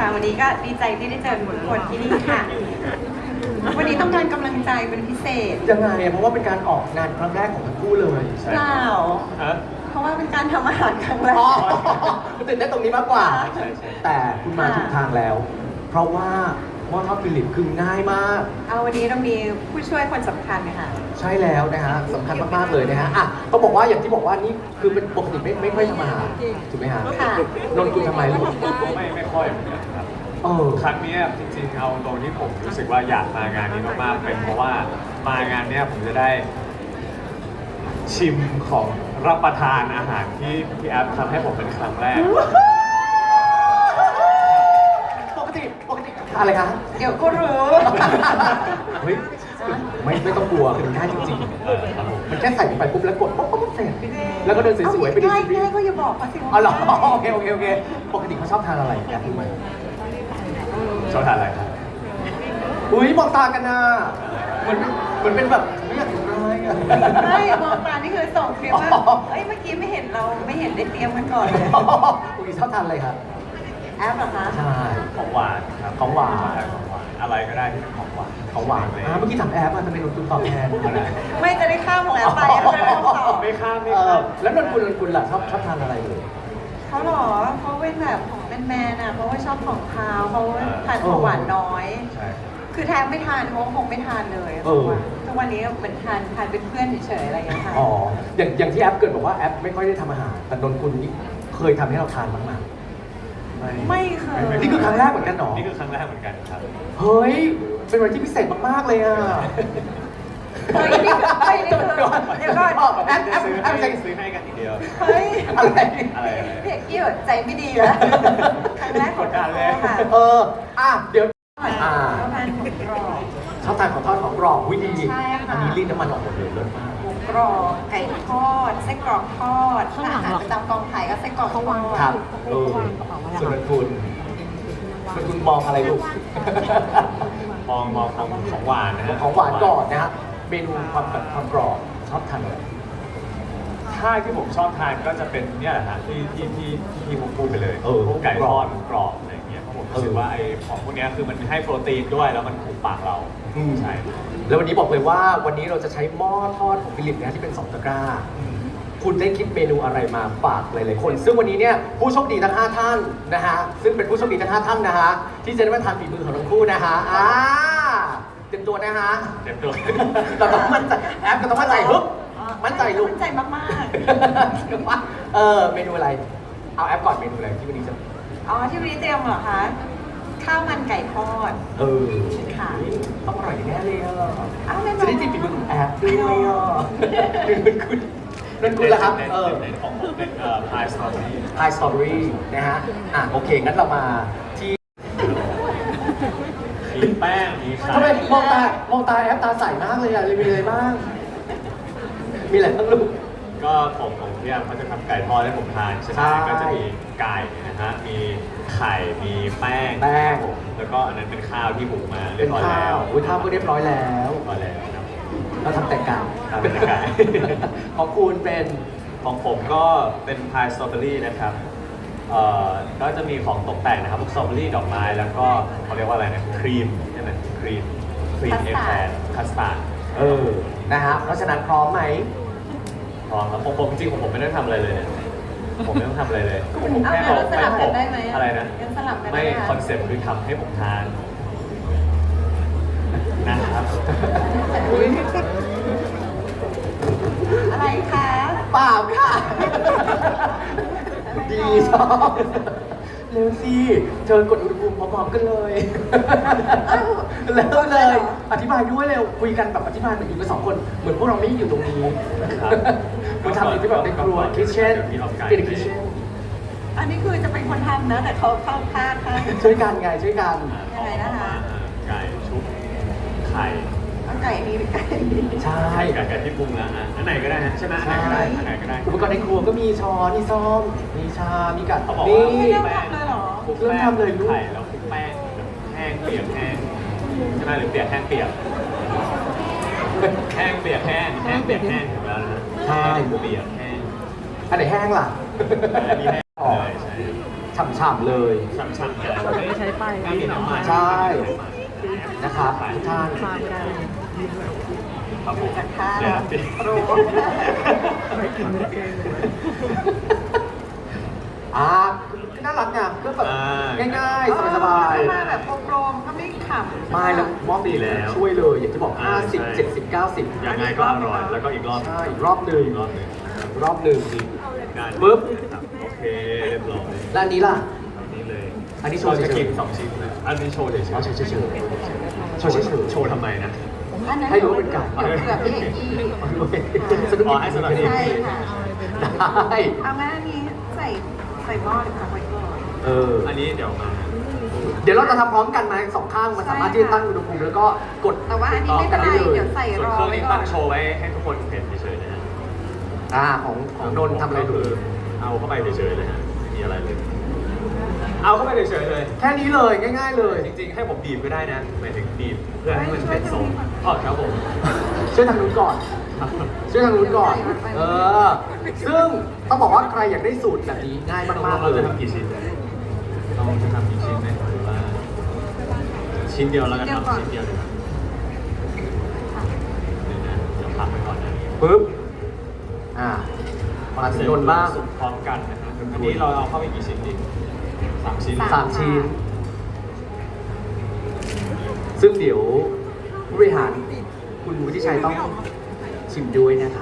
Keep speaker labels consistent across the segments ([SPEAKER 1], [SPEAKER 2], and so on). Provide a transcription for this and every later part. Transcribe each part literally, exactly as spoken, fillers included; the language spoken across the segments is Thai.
[SPEAKER 1] วันนี้ก็ดีใจที่ได้เจอทุกคนที่นี่ค่ะ วันนี้ต้องการกำลังใจเป็นพิเศษ
[SPEAKER 2] ยังไงอะเพราะว่าเป็นการออกงานครั้งแรกของทั้งคู่เลย
[SPEAKER 1] เปล่า
[SPEAKER 3] ฮะ
[SPEAKER 1] เพราะว่าเป็นการทำอาหารครั้งแร
[SPEAKER 2] อ๋อก ตื่นเต้นตรงนี้มากกว่า
[SPEAKER 3] ใช่ใช่
[SPEAKER 2] แต่คุณมาถูกทางแล้ว เพราะว่าหม้อทอดฟิลิปคือง่ายมาก
[SPEAKER 1] เอาวันนี้เรามีผู้ช่วยคนสำคัญค่ะ
[SPEAKER 2] ใช่แล้วนะฮะสำคัญมากๆเลยนะฮะอ่ะต้องบอกว่าอย่างที่บอกว่านี่คือเป็นปกติไม่ไม่ค่อยทำอาหารถูกไหมฮะ
[SPEAKER 1] ค่ะ
[SPEAKER 2] นนท์คุณทำไมลูก
[SPEAKER 3] ไม่ไม่ค่อยเหมือนกันครับ
[SPEAKER 2] เออ
[SPEAKER 3] ครั้งเนี้ยจริงๆเอาตรงที่ผมรู้สึกว่าอยากมางานนี้มากๆเป็นเพราะว่ามางานเนี้ยผมจะได้ ชิมของรับประทานอาหารที่พี่แอฟทำให้ผมเป็นครั้งแรก
[SPEAKER 2] ปกติปกติอะไรคะ
[SPEAKER 1] เดี๋ยวก็รู้
[SPEAKER 2] เฮ้ยไม่ไม่ต้องกลัวมันง่ายจริง
[SPEAKER 3] เออครับผม
[SPEAKER 2] ๆ มันแค่ใส่ลงไปปุ๊บแล้วกดปุ๊บปุ๊บเสร็จแล้วก็เดินสวยๆไปดู
[SPEAKER 1] ง่าย
[SPEAKER 2] ซีรี
[SPEAKER 1] ง่าย
[SPEAKER 2] ส์
[SPEAKER 1] ก็อย่าบอกเขาสิว่า
[SPEAKER 2] อ๋อเหรอโอเคโอเคโอเคปกติเขาชอบทานอะไรแอบรู้ไหม
[SPEAKER 3] ชอบทานอะไรครับ
[SPEAKER 2] อุ้ยมองตากันนะเหมือนเหมือนเป็นแบบไม่อยากทำร้ายอะ
[SPEAKER 1] ไม่มองตานี่คือส่งคลิปว่า
[SPEAKER 2] อ๋อ
[SPEAKER 1] เอ้ยเมื่อกี้ไม่เห็นเราไม่เห็นได้เตรียมกันก่อนเลย
[SPEAKER 2] อุ้ยชอบทานอะไรครับ
[SPEAKER 1] แอปเหรอคะ
[SPEAKER 2] ใช่
[SPEAKER 3] ของหวานครับ
[SPEAKER 2] ของหวาน
[SPEAKER 3] ชอบทของหวานอะไรก็ได้ที่เป็นของหวาน
[SPEAKER 2] ของหวาน
[SPEAKER 3] เลย
[SPEAKER 2] อ่าเมื่อกี้ถามแอปอะทำไมนนท์คุณตอบแทนอะไร
[SPEAKER 1] ไม่จะได้ข้ามของแอปไปแล้วจะได้ไม่ต้องตอบ
[SPEAKER 3] ไม่ข้ามไม่
[SPEAKER 2] เอ
[SPEAKER 3] ข้า
[SPEAKER 2] อ
[SPEAKER 3] ม
[SPEAKER 2] แล้วนนท์คุณนนท์คุณล่ะชอบชอบทานอะไรเลย
[SPEAKER 1] เขาเหรอเขาเป็นแบบของแมนๆอ่ะเพราะว่าชอบของคาวเขาทานของหวานน้อย
[SPEAKER 3] ใช่
[SPEAKER 1] คือแทบไม่ทานเขาคงไม่ทานเลย
[SPEAKER 2] เออ
[SPEAKER 1] ทุกวันนี้เหมือนทานทานเป็นเพื่อนเฉยๆอะไรอย่างเงี้ยค่ะ
[SPEAKER 2] อ๋ออย่างอย่างที่แอปเกิดบอกว่าแอปไม่ค่อยได้ทำอาหารแต่นนท์คุณนี่เคยทำให้เราทานบ้างไหม
[SPEAKER 1] ไม่เคย
[SPEAKER 2] นี่คือครั้งแรกเหมือนกันเหรอ
[SPEAKER 3] นี่คือครั้งแรกเหมือนกันครับ
[SPEAKER 2] เฮ้ย เป็นวันที่พิเศษมากๆเลยอ่ะ
[SPEAKER 1] เฮ้ยนี่คือเฮ้ยนี่คือเดี๋ยวก่อน
[SPEAKER 2] แอปแอป
[SPEAKER 3] ซื้อ
[SPEAKER 2] แอ
[SPEAKER 3] ให้
[SPEAKER 2] ปใส่
[SPEAKER 3] ซื้อให้กันทีเดียว
[SPEAKER 1] เฮ้ย
[SPEAKER 2] อะไร
[SPEAKER 3] อะไรอะไร
[SPEAKER 1] พี่เอกกี้แบบใจไม่ดีแล้วครั้งแรกของเราค่ะ
[SPEAKER 2] เออ อ่ะ เดี๋ยว อ่า
[SPEAKER 1] ประมาณหกกรอบ
[SPEAKER 2] ชอบทานของทอดของกรอบวิดี
[SPEAKER 1] ใช่ค่ะ
[SPEAKER 2] อันนี้รีดน้ำมันออกหมดเลยเลิศมาก
[SPEAKER 1] หมูกรอบไก่ทอดไส้กรอกทอดถ้าอาหารประจำกองถ่ายก็ไส้กรอกทอด
[SPEAKER 2] ครับ เออส่วนนนคุณนนคุณมองอะไรลูก
[SPEAKER 3] มองมองของของหวานนะฮะ
[SPEAKER 2] ของหวานก่อนนะฮะ เมนูความแบบความกรอบชอบทานอะไร
[SPEAKER 3] ถ้าที่ผมชอบทานก็จะเป็นเนี่ยแหละฮะที่ที่ที่ที่ผมพูดไปเลย
[SPEAKER 2] เออ
[SPEAKER 3] พวกไก่ทอดกรอบอะไรอย่างเงี้ยเพราะผมรู้สึกว่าไอ้ของพวกเนี้ยคือมันให้โปรตีนด้วยแล้วมันถูกปากเรา
[SPEAKER 2] อืม
[SPEAKER 3] ใช่
[SPEAKER 2] แล้ววันนี้บอกเลยว่าวันนี้เราจะใช้หม้อทอดของฟิลิปนะที่เป็นสองตะกร้า คุณได้คิดเมนูอะไรมาฝากหลายๆคน ซึ่งวันนี้เนี่ยผู้โชคดีทั้งห้าท่านนะฮะ ซึ่งเป็นผู้โชคดีทั้งห้าท่านนะฮะ ที่จะได้มาทานฝีมือของทั้งคู่นะฮะ อ่า เต็มตัวนะฮะ
[SPEAKER 3] เต็มตัว
[SPEAKER 2] เราต้องมั่นใจแอปก็ต้องมั่นใจฮึบมั่นใจลูก
[SPEAKER 1] มั่นใจมาก
[SPEAKER 2] เออ เมนูอะไร เอาแอปก่อนเมนูอะไรที่วันนี้จะ
[SPEAKER 1] ๆ อ๋อที่วันนี้เตรียมเหรอคะ ข้าวมันไก่ทอด
[SPEAKER 2] เออ
[SPEAKER 1] ค่ะ
[SPEAKER 2] ต้องอร่อยแน่เลยอ่ะ
[SPEAKER 1] อ้าวแน่นอน
[SPEAKER 2] จะได้จิบฝีมือของแอปด้วยอ่ะนั่นคุณนั่นคุณละครับ
[SPEAKER 3] เน้น
[SPEAKER 2] เออ
[SPEAKER 3] เน้นของผมเป็นเอ่อพายสตรอเบอรี่
[SPEAKER 2] พายสตรอเบอรี่นะฮะ อ่ะโอเค งั้นเรามาที่
[SPEAKER 3] มีแป้งมีไข่
[SPEAKER 2] ทำไมมองตามองตาแอปตาใสมากเลยอ่ะเลยมีอะไรบ้าง มีอะไรบ้างลูก
[SPEAKER 3] ก็ผมของพี่แอมเขาจะทำไก่ทอดให้ผมทานใช่ไหม
[SPEAKER 2] ใช่
[SPEAKER 3] ก็จะมีไก่นะฮะมีไข่มีแป้ง
[SPEAKER 2] แป้ง
[SPEAKER 3] ครับผมแล้วก็อันนั้นเป็นข้าวที่หุงมาเรี
[SPEAKER 2] เป็
[SPEAKER 3] ย
[SPEAKER 2] น
[SPEAKER 3] บร้อย
[SPEAKER 2] ข้า
[SPEAKER 3] แล้ว ว
[SPEAKER 2] อุ้ยข้าวก็เรียบร้อยแล้ว
[SPEAKER 3] เรียบร้อยแล้วครับ
[SPEAKER 2] เราทำแต่ไก่
[SPEAKER 3] ทำแต่ไก่
[SPEAKER 2] ของคุณเป็น
[SPEAKER 3] ของผมก็เป็นพายสตรอเบอรี่นะครับเอ่อก็จะมีของตกแต่งนะครับพวกสตรอเบอรี่ดอกไม้แล้วก็เขาเรียกว่าอะไรนะครีมใช่ไหมครีมครีมเอแคร์คัสตาร์ด
[SPEAKER 2] เออ นะฮะ เพราะฉะนั้นพร้อมไหม
[SPEAKER 3] พร้อมครับผมผมจริงๆของผมไม่ได้ทำอะไรเลยเนี่ยผมไม่ต้องทำอะไรเลยผม
[SPEAKER 1] เอา
[SPEAKER 3] แค่
[SPEAKER 1] งั้นเราสลับกันได้ไหม
[SPEAKER 3] อะไรนะ
[SPEAKER 1] งั้นสลับกันได้
[SPEAKER 3] ไม่
[SPEAKER 1] ไหมะ
[SPEAKER 3] คอนเซ็ปต์คือทำให้ผมทานนะครับ
[SPEAKER 1] อะไรคะ
[SPEAKER 2] เปล่าค่ะ ดีชอบเร็วสิเชิญกดอุณหภูมิพร้อมๆกันเลยเร็วเลย อธิบายด้วยเร็ว คุยกันแบบอธิบายเหมือนอยู่กันสองคน เหมือนพวกเราไม่อยู่ตรงนี้
[SPEAKER 3] ครับ
[SPEAKER 2] คุณทำอยู่ที่แบบในครัวคิทเช่นเป็นคิทเช่น
[SPEAKER 1] อันนี้คือจะเป็นคนทำนะ แต่เขาเข้าข้างค่ะ
[SPEAKER 2] ช่วยกันไงช่วยกัน
[SPEAKER 1] ยังไงนะคะ
[SPEAKER 3] ไก่ชุบไข่
[SPEAKER 1] เอาไก่นี้ไก่นี้
[SPEAKER 2] ใช่
[SPEAKER 3] ไข่ไก่ไก่ที่ปรุงแล้วอ่ะอันไหนก็ได้ฮะใช่ไหมอันไหนก็ได้อันไหนก็ได้
[SPEAKER 2] อุปกรณ์ในครัวก็มีช้อนมีซ่อมมีชา มีกัด
[SPEAKER 3] เขาบอก
[SPEAKER 2] นี่
[SPEAKER 3] ว่า
[SPEAKER 1] ไม่เริ่มทำเลยเหรอ
[SPEAKER 2] เริ่มทำเลยลูก
[SPEAKER 3] ไข่แล้วคลุกแป้งแห้งเปียกแห้งใช่ไหมหรือเปียกแห้งเปียกแห้งเปียกแห้งแห้งเปียกแห้งถูกแล้วนะ
[SPEAKER 2] ใช่
[SPEAKER 3] เปียกแห้ง
[SPEAKER 2] อันไหนแห้งล่ะ
[SPEAKER 3] อันนี้แห้งเลยใช่
[SPEAKER 2] ชฉ่ำๆเลย
[SPEAKER 3] ช่ำช่ำเลย
[SPEAKER 4] ไม่ได้ใช้ป้าย
[SPEAKER 3] ไม่มีน้ำมัน
[SPEAKER 2] ใช่นะครับทุกท่าน
[SPEAKER 4] พาไม่ได้
[SPEAKER 3] ครับผม
[SPEAKER 1] จากท่า
[SPEAKER 3] เดี๋ยวนะ
[SPEAKER 1] โปร
[SPEAKER 4] ไม่กินไม่ได้เกงเลย
[SPEAKER 2] อ่าน่ารักไงเพื่อแบบ
[SPEAKER 3] อ่า
[SPEAKER 2] ง่ายๆ สบาย
[SPEAKER 1] ถ้มาแบบโปรมๆก็ไม่ขำ
[SPEAKER 2] ๆไม่แล้วมอบ
[SPEAKER 3] ดีแล้ว
[SPEAKER 2] ช่วยเลยอย่างที่บอก
[SPEAKER 3] อ่า
[SPEAKER 2] ห้าสิบ
[SPEAKER 3] ใช่
[SPEAKER 2] เจ็ดสิบ เก้าสิบ
[SPEAKER 3] ยังไงก็อร่อยแล้วก็อีกรอบ
[SPEAKER 2] ใช่อีกรอบหนึ่ง
[SPEAKER 3] อีกรอบหนึ่ง
[SPEAKER 2] รอบหนึ่ง
[SPEAKER 3] งาน
[SPEAKER 2] ปึ๊บ
[SPEAKER 3] ครับโอเคเรียบร้อย
[SPEAKER 2] แล้วอันนี้ล่ะ
[SPEAKER 3] แบบนี้เลย
[SPEAKER 2] อันนี้โชว์
[SPEAKER 3] เราจะ
[SPEAKER 2] เฉยๆ
[SPEAKER 3] กินสองชิ้นเลยอันนี้โชว์เฉยๆ
[SPEAKER 2] เอาเฉยๆเฉยๆโชว์เฉยๆ
[SPEAKER 3] โชว์ทำไมนะ
[SPEAKER 1] อันนั้น
[SPEAKER 2] ให้รู้ว่าเป็นไก่
[SPEAKER 1] เกือบพี่เอกกี้
[SPEAKER 2] สนุก
[SPEAKER 3] อ๋อให้สำหรับพี่
[SPEAKER 1] ใช่ค่ะ
[SPEAKER 2] ได้
[SPEAKER 1] เอางั้นอันนี้ใส่ใส่หม้อเลยค่ะไว้ก่อน
[SPEAKER 2] เออ
[SPEAKER 3] อันนี้เดี๋ยวมา
[SPEAKER 2] เดี๋ยวเราจะทำพร้อมกันมาสองข้างมันสามารถที่จะตั้งอุณหภูมิแล้วก็กด
[SPEAKER 1] แต่ว่าอันนี้ไม่
[SPEAKER 2] กั
[SPEAKER 1] เป็นไร
[SPEAKER 2] ได้เลย
[SPEAKER 1] เดี๋ยวใส่
[SPEAKER 3] ส่วน
[SPEAKER 1] รอ
[SPEAKER 3] เครื่อง
[SPEAKER 1] ไว้
[SPEAKER 3] นี้
[SPEAKER 1] ก่อ
[SPEAKER 3] ตั้
[SPEAKER 1] น
[SPEAKER 3] งโชว์ไว้ให้ทุกคนเห็นเฉยๆนะฮะ
[SPEAKER 2] อ่าของของนนท์ทำอะไร
[SPEAKER 3] ก็
[SPEAKER 2] ดู
[SPEAKER 3] คือเอาเข้าไปเฉยๆเลยฮะไม่มีอะไรเลย เอาเข้าไปเฉยๆเลย
[SPEAKER 2] แค่นี้เลยง่าย ๆ เลย
[SPEAKER 3] จริงๆ ให้ผมบีบก็ได้นะหมายถึงบีบเพื่อให้มันเป็นทรงอ๋อครับผม
[SPEAKER 2] ช่วยทางนู้นก่อน ช่วยทางนู้นก่อน เออ ซึ่งต้องบอกว่าใครอยากได้สูตรแบบนี้ง่ายมากๆ
[SPEAKER 3] เรา
[SPEAKER 2] เล
[SPEAKER 3] จะ
[SPEAKER 2] ย
[SPEAKER 3] ทำกี่ชิ้นเราจะทำกี่ชิ้นไหมหรือว่าชิ้นเดียวแล้วกันครับชิ้นเดียวดีกว่าเดี๋ยวนะเดี๋ยวพักไปก่อนนะ
[SPEAKER 2] ปึ๊บ อ่า มาถึงนนท์บ้าง
[SPEAKER 3] สุกพร้อมกันนะครับอันนี้เราเอาเข้าไปกี่ชิ้นดีสามชิ้น
[SPEAKER 2] สามชิ้น ซึ่งเดี๋ยวผู้บริหารคุณวุฒิชัยต้องชิมด้วยนะคะ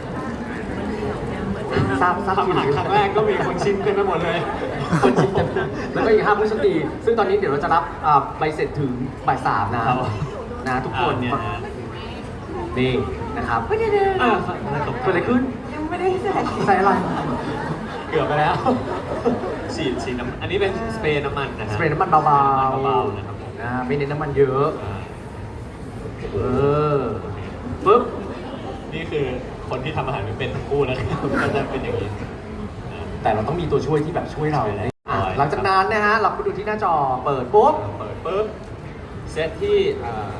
[SPEAKER 2] ทราบทราบ
[SPEAKER 3] ทำ
[SPEAKER 2] ชิม
[SPEAKER 3] อาหารครั้งแรกก็มีคนชิมกันไปหมดเลย
[SPEAKER 2] คนชิมกันแล้วก็อีกห้าผู้โชคดี ซึ่งตอนนี้เดี๋ยวเราจะรับอ่าใบเสร็จถึงบ่ายสามนะครับ นะทุกคน
[SPEAKER 3] อ่าเนี่ยนะ
[SPEAKER 2] นี่นะครับ
[SPEAKER 1] ไม่ได้เดิน
[SPEAKER 3] อ่า
[SPEAKER 2] เกิดอะไรขึ้น
[SPEAKER 1] ยังไม่ได้ใส่
[SPEAKER 2] ใส่อะไร
[SPEAKER 3] เกือบไปแล้ว ฉีดฉีดน้ำอันนี้เป็นสเปรย์น้ำมันนะฮะ
[SPEAKER 2] สเปรย์น้ำมันเบา
[SPEAKER 3] เบาๆนะครับผม
[SPEAKER 2] ๆนะไม่เน้นน้ำมันเยอะ
[SPEAKER 3] อ่า
[SPEAKER 2] เออปึ๊บ
[SPEAKER 3] นี่คือคนที่ทำอาหารไม่เป็นทั้งคู่นะครับก็จะเป็นอย่างนี้อ่า
[SPEAKER 2] แต่เราต้องมีตัวช่วยที่แบบช่วยเรา
[SPEAKER 3] ใช่แล้ว
[SPEAKER 2] อ่ะหลังจากนั้นนะฮะ เราไปดูที่หน้าจอเปิดปุ๊บ
[SPEAKER 3] เปิดปุ๊บเซตที่อ่า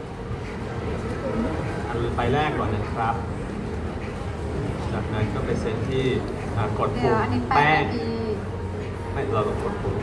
[SPEAKER 3] อันใบแรกก่อนนะครับ จากนั้นก็ไปเซตที่อ่ากด
[SPEAKER 1] เดี๋
[SPEAKER 3] ปุ่
[SPEAKER 1] ยว
[SPEAKER 3] ม
[SPEAKER 1] อันนี้แป
[SPEAKER 3] แป้
[SPEAKER 1] ด
[SPEAKER 3] ง
[SPEAKER 1] นาที
[SPEAKER 3] ไม่เราต้องกดปุ่ม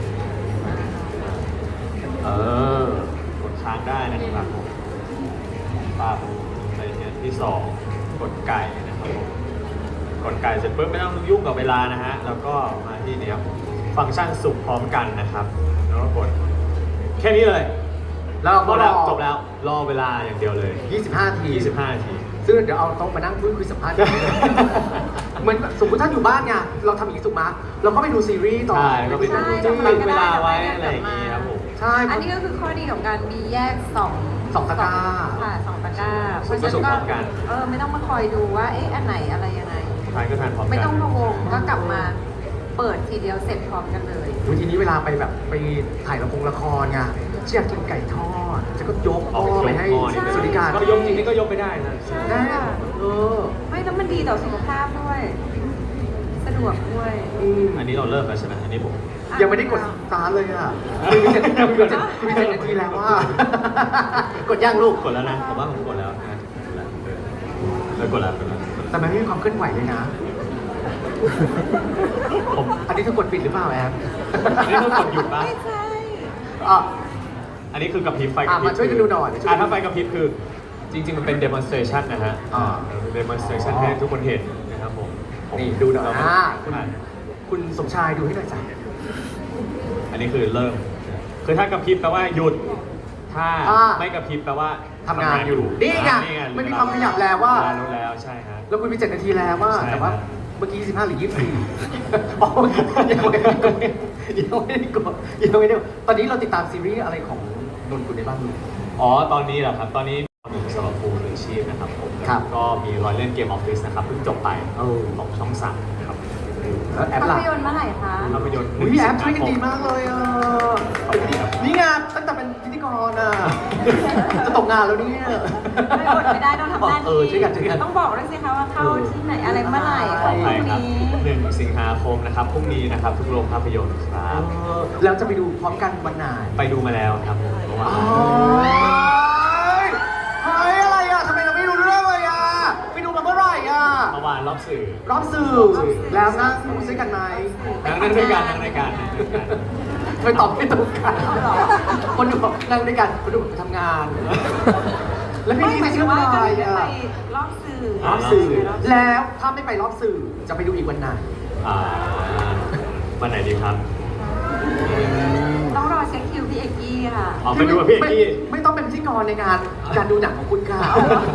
[SPEAKER 2] เออ
[SPEAKER 3] กดค้างได้นะครับผมปั๊บไปเซตที่สองกดไก่นะครับผมกดไก่เสร็จปุ๊บไม่ต้องยุ่งกับเวลานะฮะแล้วก็มาที่นี่ครับฟังก์ชันสุกพร้อมกันนะครับ แล้วก็กดแค่นี้เลย
[SPEAKER 2] แล้วเรา
[SPEAKER 3] จ
[SPEAKER 2] ก็
[SPEAKER 3] บ
[SPEAKER 2] ร
[SPEAKER 3] แล้
[SPEAKER 2] อ
[SPEAKER 3] วจบแล้ว รอเวลาอย่างเดียวเลย
[SPEAKER 2] ยี่สิบห้านาที
[SPEAKER 3] ยี่สิบห้านาที
[SPEAKER 2] ซึ่งเดี๋ยวเอาโต๊ะมานั่งพูดคุยสัมภาษณ์กัน เหมือนสมมติถ้าอยู่บ้านไงเราทำอย่างนี้ถูกไหมเราก็ไปดูซีรีส์ต่อ
[SPEAKER 3] ใช่ก็ไปดู
[SPEAKER 1] ใช่
[SPEAKER 3] จะ
[SPEAKER 1] ทำไม
[SPEAKER 3] ตั้ง
[SPEAKER 1] ก็
[SPEAKER 3] เว
[SPEAKER 1] ได้
[SPEAKER 3] ลาไว้
[SPEAKER 1] ทำไมก็
[SPEAKER 3] อะไรอย่างนี้ครับผม
[SPEAKER 2] ใช่
[SPEAKER 1] อันนี้ก็คือข้อดีของการมีแยกสอง
[SPEAKER 2] สองตะกร้า
[SPEAKER 1] ค่ะสองตะกร้า
[SPEAKER 3] ส่วนผสมพร้อมกัน
[SPEAKER 1] เออไม่ต้องมาคอยดูว่าเอ๊ะอันไหนอะไรยังไง
[SPEAKER 3] ทานก็ทานพร้อมกัน
[SPEAKER 1] ไม่ต้องพะวงก็กลับมาเปิดทีเดียวเสร็จพร้อมกันเลย
[SPEAKER 2] วันทีนี้เวลาไปแบบไปถ่ายละครละครไงเชียร์กินไก่ทอดจะก็ยกหม้อไปให้
[SPEAKER 1] ใช่
[SPEAKER 2] สวัสดิการ
[SPEAKER 3] ก็ยกจริงนี่ก็ยกไม่ได้นะ
[SPEAKER 1] ใช่
[SPEAKER 2] ได้
[SPEAKER 1] ค่ะ
[SPEAKER 2] เออ
[SPEAKER 1] ไม่แล้วมันดีต่อสุขภาพด้วย สะดวกด้วย
[SPEAKER 2] อืม
[SPEAKER 3] อันนี้เราเริ่มแล้วใช่ไหมอันนี้ผม
[SPEAKER 2] ยังไม่ได้กดสตาร์ทเลยอ่ะคุยไปเจ็ดคุยไปเจ็ดคุยไปเจ็ดนาทีแล้วว่า กดย่างลูก
[SPEAKER 3] กดแล้วนะผมว่าผมกดแล้วนะกดแล้วเออเออกดแล้วกดแล้วกดแล้ว
[SPEAKER 2] แต่มันไม่มีความเคลื่อนไหวเลยนะ
[SPEAKER 3] ผม
[SPEAKER 2] อันนี้เธอกดปิดหรือเปล่าแอม
[SPEAKER 3] อันนี้ต้องกดหยุดปะ
[SPEAKER 1] ไม่ใช่
[SPEAKER 2] อ่ะ
[SPEAKER 3] อันนี้คือกระพริบไฟกระพริบ
[SPEAKER 2] อ่ะมาช่วยกันดูหน่อยช่วยกันดู
[SPEAKER 3] อ่ะถ้าไฟกระพริบคือจริง ๆ มันเป็น demonstration นะฮะ
[SPEAKER 2] อ่า
[SPEAKER 3] เออ demonstration ให้ทุกคนเห็นนะครับผม
[SPEAKER 2] นี่ดูหน่อย
[SPEAKER 3] เรา
[SPEAKER 2] อ่า
[SPEAKER 3] คุ
[SPEAKER 2] คุณ ณคุณสมชายดูให้หน่อยจ้ะ
[SPEAKER 3] อันนี้คือเริ่ม คือถ้ากระพริบแปลว่าหยุด ถ้า
[SPEAKER 2] อ่า
[SPEAKER 3] ไม่กระพริบแปลว่า
[SPEAKER 2] ทำงานอยู่นี่ไง
[SPEAKER 3] อ่า
[SPEAKER 2] มันมีความขยับแล้วว่า
[SPEAKER 3] เวลรู้แล้วใช่ฮะ
[SPEAKER 2] แล้วคุณมีเจ็ดนาทีแล้วว่า
[SPEAKER 3] ใช่
[SPEAKER 2] แต่ว่า
[SPEAKER 3] ครับ
[SPEAKER 2] เมื่อกี้สิบห้าหรือยี่สิบสี่อ๋อยังไม่ได้กดยังไม่ได้กดยังไม่ได้กดตอนนี้เราติดตามซีรีส์อะไรของนนท์คุณได้บ้างลูก
[SPEAKER 3] อ๋อ ตอนนี้เหรอครับ ตอนนี้มีสำหรับฟูหรือชีพนะครับผม
[SPEAKER 2] ครับ
[SPEAKER 3] ก็มีรอยเล่นเกมออฟฟิศนะครับเพิ่งจบไป
[SPEAKER 2] เออ
[SPEAKER 3] ของช่องสามนะครับ
[SPEAKER 2] แล้วแอป
[SPEAKER 1] ภา
[SPEAKER 2] ล่ะ
[SPEAKER 1] พยนตร์เมื่อไหร่คะ
[SPEAKER 3] ภาพยนตร์
[SPEAKER 2] อุ้ยแอปช่วยกันดีมากเลยอ่ะ
[SPEAKER 3] ขอบคุณครับ
[SPEAKER 2] นี่ไงตั้งแต่เป็นพิธีกรอ่ะ จะตกงานแล้วเนี่ย
[SPEAKER 1] ไม่อดไม่ได้ต้องทำหน้าที่
[SPEAKER 2] เออช่วยกันช่วยกัน
[SPEAKER 1] ต้องบอกด้วยสิคะว่าเข้าที่ไหนอะไรเมื่อไหร่ข
[SPEAKER 3] ข
[SPEAKER 1] อ
[SPEAKER 3] อง
[SPEAKER 1] ง
[SPEAKER 3] ใคร
[SPEAKER 1] พรุ่ง
[SPEAKER 3] ครับ
[SPEAKER 1] นี้
[SPEAKER 3] หนึ่งสิงหาคมนะครับพรุ่งนี้นะครับทุกโรงภาพยนตร์ครับ
[SPEAKER 2] เออแล้วจะไปดูพร้อมกันวันไหน
[SPEAKER 3] ไปดูมาแล้วครับผมเพราะว่า
[SPEAKER 2] โอ้ยเฮ้ยอะไรอ่ะทำไมเราไม่รู้เรื่องเลยอ่ะไปดูมาเมื่อไหร่อ่ะ
[SPEAKER 3] เมื่อวานรอบสื่อ
[SPEAKER 2] รอบสื่อแล้วนั่งด้วยกันไหม
[SPEAKER 3] นั่งนั่งด้วยกันนั่งด้วยกันนั่งด้วยกัน
[SPEAKER 2] ไม่ตอบไม่ตรงกันคนดูบอกนั่งด้วยกันคนดูบอกไปทำงาน แล้วพี่
[SPEAKER 1] ไม่
[SPEAKER 2] นี่
[SPEAKER 1] หมายถึ
[SPEAKER 2] ชื่
[SPEAKER 1] ง
[SPEAKER 2] อ
[SPEAKER 1] ว่า
[SPEAKER 2] อะ
[SPEAKER 1] จะ
[SPEAKER 2] ไร
[SPEAKER 1] ไม่ได้
[SPEAKER 2] อ่ะ
[SPEAKER 1] ไปรอบสื่อ
[SPEAKER 2] รอบสื่อ
[SPEAKER 1] ไปรอบสื่อ
[SPEAKER 2] แล้วถ้าไม่ไปรอบสื่อจะไปดูอีกวันไหน
[SPEAKER 3] อ่าวันไหนดีครับ
[SPEAKER 1] ต้องรอเช็คคิวพี่เอกกี้ค่ะ
[SPEAKER 3] ออกไปดูกับพี่เอกกี้
[SPEAKER 2] ไม่ไม่ต้องเป็นพิธีกรในงานการดูหนังของคุณค่ะ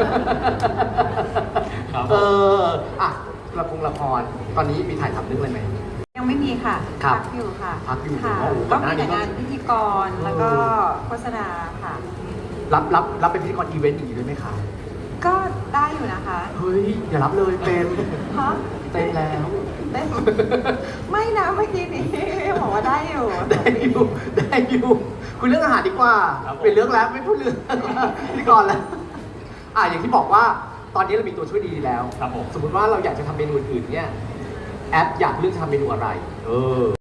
[SPEAKER 3] ครับ
[SPEAKER 2] เอออ่ะละครละครตอนนี้มีถ่ายทำเรื่องอะไรไหม
[SPEAKER 1] ยังไม่มีค่ะ
[SPEAKER 2] ครับ
[SPEAKER 1] พักอยู่ค่ะ
[SPEAKER 2] พักอยู่
[SPEAKER 1] ค่ะ
[SPEAKER 2] โอ้โหก่
[SPEAKER 1] ก็
[SPEAKER 2] อนหน้า
[SPEAKER 1] มี
[SPEAKER 2] นี้
[SPEAKER 1] แต่
[SPEAKER 2] ก็
[SPEAKER 1] งานพิธีกรแล้วก็โฆษณาค่ะ
[SPEAKER 2] รับรับรับเป็นพิธีกรอีเวนต์อย่างนี้ด้วยไหมคะ
[SPEAKER 1] ก็ได้อยู่นะคะ
[SPEAKER 2] เฮ้ยอย่ารับเลยเต็ม
[SPEAKER 1] ฮะ
[SPEAKER 2] เต็มแล้ว
[SPEAKER 1] ได้ไม่นะเมื่อกี้นี้บอกว่าได้อยู่
[SPEAKER 2] ได้อยู่ได้อยู่คุยเรื่องอาหารดีกว่า
[SPEAKER 3] ครับผม
[SPEAKER 2] เป็นเรื่องแล้วไม่พูดเรื่องพิธีกรแล้วอ่ะอย่างที่บอกว่าตอนนี้เรามีตัวช่วยดีแล้ว
[SPEAKER 3] ครับผม
[SPEAKER 2] สมมติว่าเราอยากจะทำเมนูอื่นๆเนี่ยแอปอยากเลือกจะทำเมนูอะไร เออ